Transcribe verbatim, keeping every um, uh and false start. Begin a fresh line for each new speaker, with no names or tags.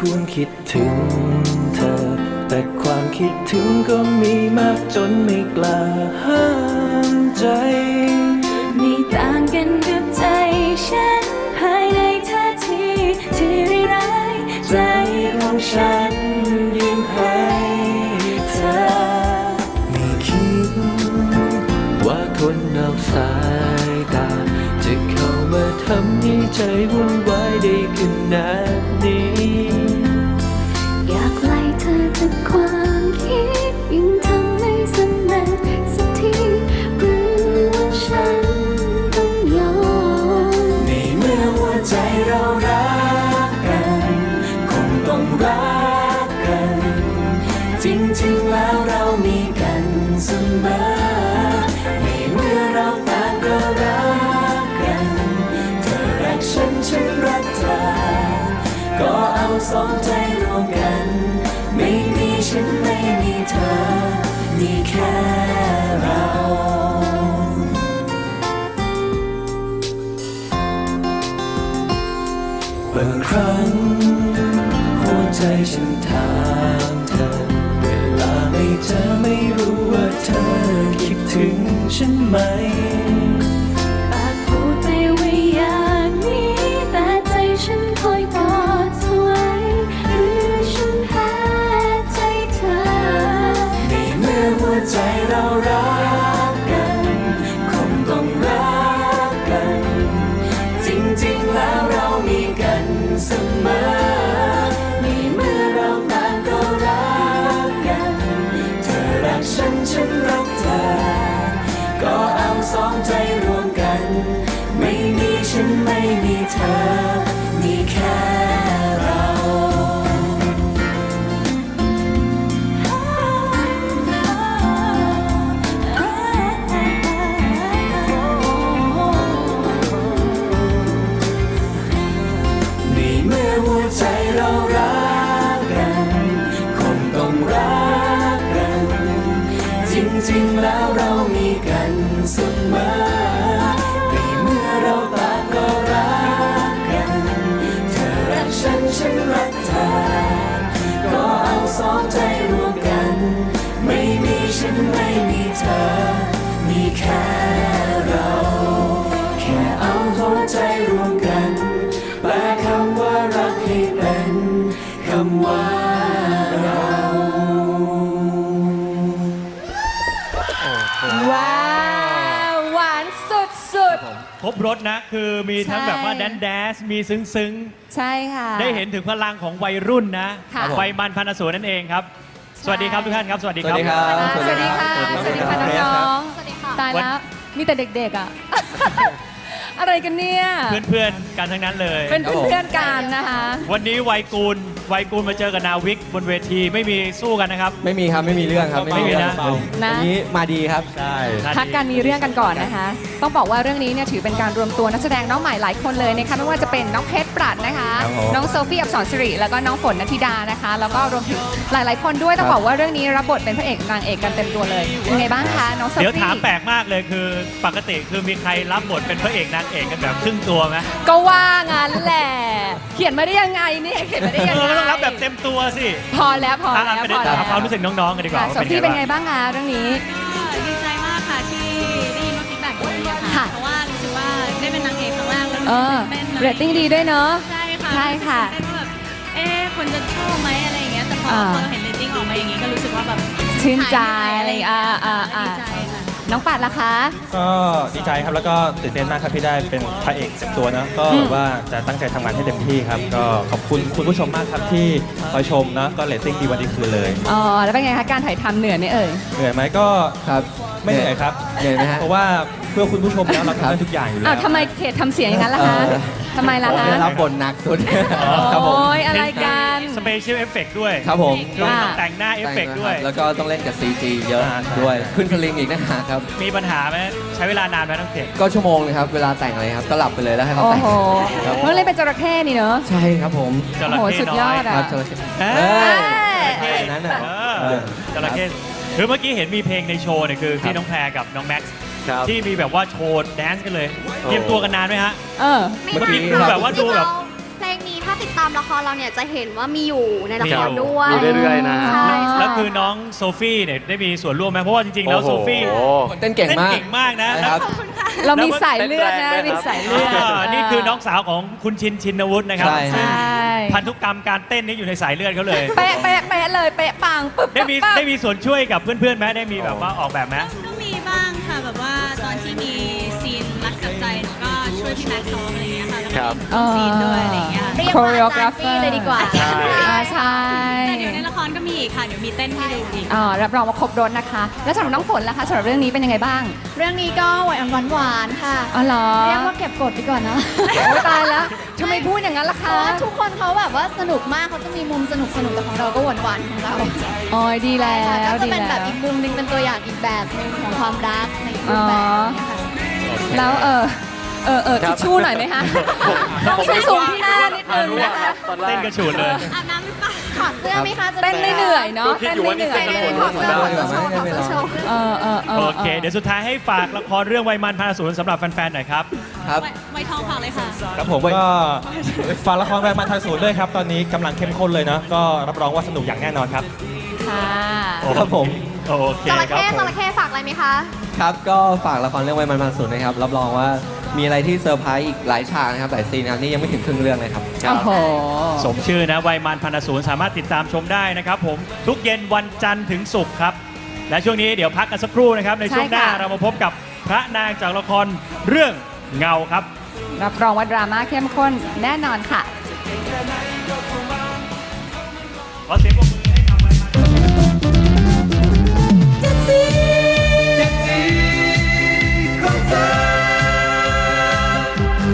ควรคิดถึงเธอแต่ความคิดถึงก็มีมากจนไม่กล้าห้ามใจ
ไม่ต่างกันกับใจฉันภายในท่าทีที่ร้ายใจของฉันยิ้มให้เธอ
ไม่คิดว่าคนนอกสายตาจะเข้ามาทำให้ใจวุ่นวายได้ขนาดนี้
อยากไล่เธอจากความคิดยิ่งทำไม่สำเร็จสักทีหรือว่าฉันต้องยอม
ในเมื่อหัวใจเรารักกันคงต้องรักกันจริงๆแล้วเรามีกันเสมอในเมื่อเราต่างก็รักกันเธอรักฉันฉันรักเธอก็เอาสองใจรวมกันไม่มีฉันไม่มีเธอมีแค่เราบางครั้งหัวใจฉันถามเธอเวลาไม่เจอไม่รู้ว่าเธอคิดถึงฉันไหม
ปากพูดไปว่าอย่างนี้แต่ใจฉันคอยบอกเธอไว้หรือฉันแพ้ใจเธอ
ในเมื่อหัวใจเรารักกันคงต้องรักกันจริงๆแล้วเรามีกันเสมอในเมื่อเราต่างก็รักกันเธอรักฉันฉันรักเธอก็เอาสองใจรวมกันไม่มีฉันไม่มีเธอมีแค่เราในเมื่อหัวใจเรารักกันคงต้องรักกันจริงๆแล้วเรามีกันเสมอในเมื่อเราต่างก็รักกันเธอรักฉันฉันรักเธอก็เอาสองใจรวมกันไม่มีฉันไม่มีเธอมีแค่เราแค่เอาหัวใจรวมกันแปลคำว่ารักให้เป็นคำว่าเรา
ว้าวหวานสุด
ครบรถนะคือมีทั้งแบบว่าแดนแดนซ์มีซึ้งซึ้ง
ๆ ใช่ค่ะ
ได้เห็นถึงพลังของวัยรุ่นนะ
ค่ะ
วัยมันพันอสูรนั่นเองครับ สวัสดีครับทุกท่านครับ สวัสดีครับ
สวัสดีค่ะ สวัสดีค่ะน้องๆตายแล้ว มีแต่เด็กๆอ่ะ อะไรกันเนี่ย
เพื่อนๆกันทั้งนั้นเลย
เป็นเพื่อนๆกันนะคะ
วันนี้วัยกูลวัยกูลมาเจอกับนาวิกบนเวทีไม่มีสู้กันนะครับ
ไม่มีครับไม่มีเรื่องครับ
ไม่มีนะ
วันนี้มาดีครับใช่
พักกันมีเรื่องกันก่อนนะคะ ต้องบอกว่าเรื่องนี้เนี่ยถือเป็นการรวมตัวนักแสดงน้องใหม่หลายคนเลยนะคะไม่ว่าจะเป็นน้องเพชรปรัดนะคะ น้องโซฟี่อับสรสิริแล้วก็น้องฝนณธิดานะคะ แล้วก็รวมถึงหลายๆคนด้วยต้องบอกว่าเรื่องนี้รับบทเป็นพระเอกนางเอกกันเต็มตัวเลยเป็นไงบ้างคะน้องโซฟี่
เดี๋ยวถามแปลกมากเลยคือปกติคือมีใครรับบทเป็นพระเอกนางเอกกันแบบครึ่งตัวไหม
ก็ว่างั้นแหละ เขียนมาได้ยังไงเนี่ยเขียนมาได้ยัง
เอ
ไง
อต้องรับแบบเต็มตัวสิ
พอแล้วพอ
อ่ะ
แล้ว
ไป
พอ
ถา
แล้
ม
ว
ความรู้สึกน้องๆกันดีกว่า
โซฟี่เป็นไงบ้างคะเรื่องนี้
ดีใจมากค่ะที่ได้ยินว่าฟีดแบ็กดีอะ
ค่ะ
ค่ะ เพราะว่ารู้สึกว่าได้เป็นนางเอกครั้งแรกแล้ว
เออ
ตื่นเต้น
เรตติ้งดีด้วยเนอะ
ใช่ค่ะ
ใช่ค่ะ
ตื่นเต้นว่าแบบเอ๊ะคนจะชอบไหมอะไรอย่างเงี้ยแต่พอ
อ่า
พอเราเห็นเรตติ้งออกมาอย่างงี้ก็รู้สึกว่าแบบ
ชื่นใจ
หายเหนื่อยอะไรอย่างเงี้ย
อ่าอ่าอ่า
ดีใจค่ะ
น้องปัดล่ะคะ
ก็ดีใจครับแล้วก็ตื่นเต้นมากครับที่ได้เป็นพระเอกเต็มตัวนะก็
อืม
ว่าจะตั้งใจทำงานให้เต็มที่ครับก็ขอบคุณคุณผู้ชมมากครับที่คอยชมนะก็เรตติ้งดีวันดีคืนเลย
อ๋อแล้วเป็นไงคะการถ่ายทำเหนื่อยไหมเอ่ย
เหนื่อยไหมก็
ครับ
ไม่เหนื่อยครับ
เหนื่อยไหมฮะ
เพราะว่าเพื่อคุณผู้ชมแล้วเราทำได้ทุกอย่างอยู่แล้
อ้าว
ว
ทำไมเขตทำเสียงอย่างนั้นล่ะคะ
เออ
ทำไมล่ะ
ผม
คะ
ได้รับบทหนักสุดครับผม
โอ้ยอะไรกัน
สเปเชียลเอฟเฟกต์ด้วย
ครับผม
คือ
อ่า
ต้องแต่งหน้าเอฟเฟกต์ด้วย
แล้วก็ต้องเล่นกับ ซี จี เยอะ
อ่าใช่
ด้วยขึ้นสลิงอีกนะฮะครับ
มีปัญหาไหมใช้เวลานานไหมน้องเจ็ด
ก็ชั่วโมงเลยครับเวลาแต่งอะไรครับก็หลับไปเลยแล้วให้เขา
โอ้
แต่ง
โห
ครับ
เพิ่งเล่นเป็นจระเข้นี่เนอะ
ใช่ครับผม
จ
โอ้
ระ
โห
เข้
สุด
น้
ย
อ
อย ด
ค
อ่ะ
รับจระเข้
เอ้
เอ้
ย
ยอันนั้นน่ะ
เออจระเข้คือเมื่อกี้เห็นมีเพลงในโชว์เนี่ยคือที่น้องแพรกับน้องแม็กซ์
ครับ
ที่มีแบบว่าโชว์แดนซ์กันเลยเตรียมตัวกันนานไหมฮะ
เออ
เมื่อกี้
ดูแบบว่าดูแบบ
เพลงนี้ถ้าติดตามละครเราเนี่ยจะเห็นว่ามีอยู่ในละครด้วย
มีเรื่อยๆนะ
ใช่ใช่
แล้วคือน้องโซฟี่เนี่ยได้มีส่วนร่วมไหมเพราะว่าจริงๆแล้วโซฟี่
โอ้โห
เต้นเก่ง
เต้น
มาก
เก่งมากนะ
ใช่ครับ
เรามีสายเลือดนะ
เต้นแรงด้วยครับ
มีสายเลือด
อ่านี่คือน้องสาวของคุณชินชินวุฒินะครับ
ใช่
ใช่
พันธุกรรมการเต้นนี่อยู่ในสายเลือดเขาเลย
เป๊ะเป๊ะเป๊ะเลยเป๊ะปังปึ๊บ
ได้มี
ปึ๊บ
ได้มีส่วนช่วยกับเพื่อนๆไหมได้มีแบบว่าออกแบบไหม
ก็มีบ้างค่ะแบบว่าตอนที่มีซีนรักกับใจหนูก็ช่วยพี่แม็กซ์ซ้อมอะไรอย่างเงี้ยค่ะแล้ว
ครั
ก็
บ
มีซีนด้วยอะไรอย่างเงี้ย
เรียกว่าอาจารย์ฟี่เลยดีกว่า
ใช่
อ่าใช่
แต่เดี๋ยวในละครก็มีอีกค่ะเดี๋ยวมีเต้นให้ดูอีก
อ่ารับรองว่าครบรถนะคะ แล้วสำหรับน้องฝนล่ะคะสำหรับเรื่องนี้เป็นยังไงบ้าง
เรื่องนี้ก็หวานหวานหวานๆค่ะ
อ๋อเหรอ
เรียกว่าเก็บกดดีกว่านะ
โอ้ยตายแล้วทำไมพูดอย่างนั้นล่ะ
เพ
คะ
ราะว่าทุกคนเขาแบบว่าสนุกมากเขาจะมีมุมสนุกสนุกแต่ของเราก็หวานหวานๆของเรา
อ๋อดีแล้
ค่ะ
ว
ก็จะ
ดี
เป็นแบ
แล้
บ
ว
อีกมุมหนึงเป็นตัวอย่างอีกแบบหนึงของความรักในอีกรูปแบบเนี่ยค่ะ
แล้วเออเออเออ
ครั
ทิ
บ
ชชู่หน่อยไหมคะต้องช่วยสูงที่หน้านิดนึงนะคะ
ตอนแร
เต้น
ก
กระฉูดเลย
อาบน้ำหรือเปล่า
ถอดเสื้อไหมคะจะ
เต้นไม่เหนื่อยเนาะ
คิด
เต้น
อยู่
ไม่
ว่า
เห
นี่
นื่อย
เต้น
ถอดเสื้อถอดเสื้อโชว์ถอดเสื้อโชว์
เออเออเออ
โอเค เดี๋ยวสุดท้ายให้ฝากละครเรื่องวัยมันพันศูนย์สำหรับแฟนๆหน่อยครับ
ครับ
ไว้ไว้ทองฝากเลยค่ะ
ครับผมก็ฝากละครแรงมันทันศูนย์ด้วยครับ ตอนนี้กำลังเข้มข้นเลยนะ ก็รับรองว่าสนุกอย่างแน่นอนครับ
ค่ะ
ครับผม
โอเค
จระ
ครับ
เข้
ผม
จระเข้ฝากอะไรไหมคะ
ครับก็ฝากละครเรื่องไวมันมันศูนย์นะครับ รับรองว่ามีอะไรที่เซอร์ไพรส์อีกหลายฉากนะครับหลายซีนนะครับนี่ยังไม่ถึงครึ่งเรื่องเลยครับ
โอ้โห
สมชื่อนะวัยมันพันศูนย์สามารถติดตามชมได้นะครับผมทุกเย็นวันจันทร์ถึงศุกร์ครับ และช่วงนี้เดี๋ยวพักกันสักครู่นะครับ ในช่วงหน้า
ใช่ค่ะ
เรามาพบกับพระนางจากละครเรื่องเงาครับ
รับรองว่าดราม่าเข้มข้นแน่นอนค่ะ
ขอเสียงปรบมือ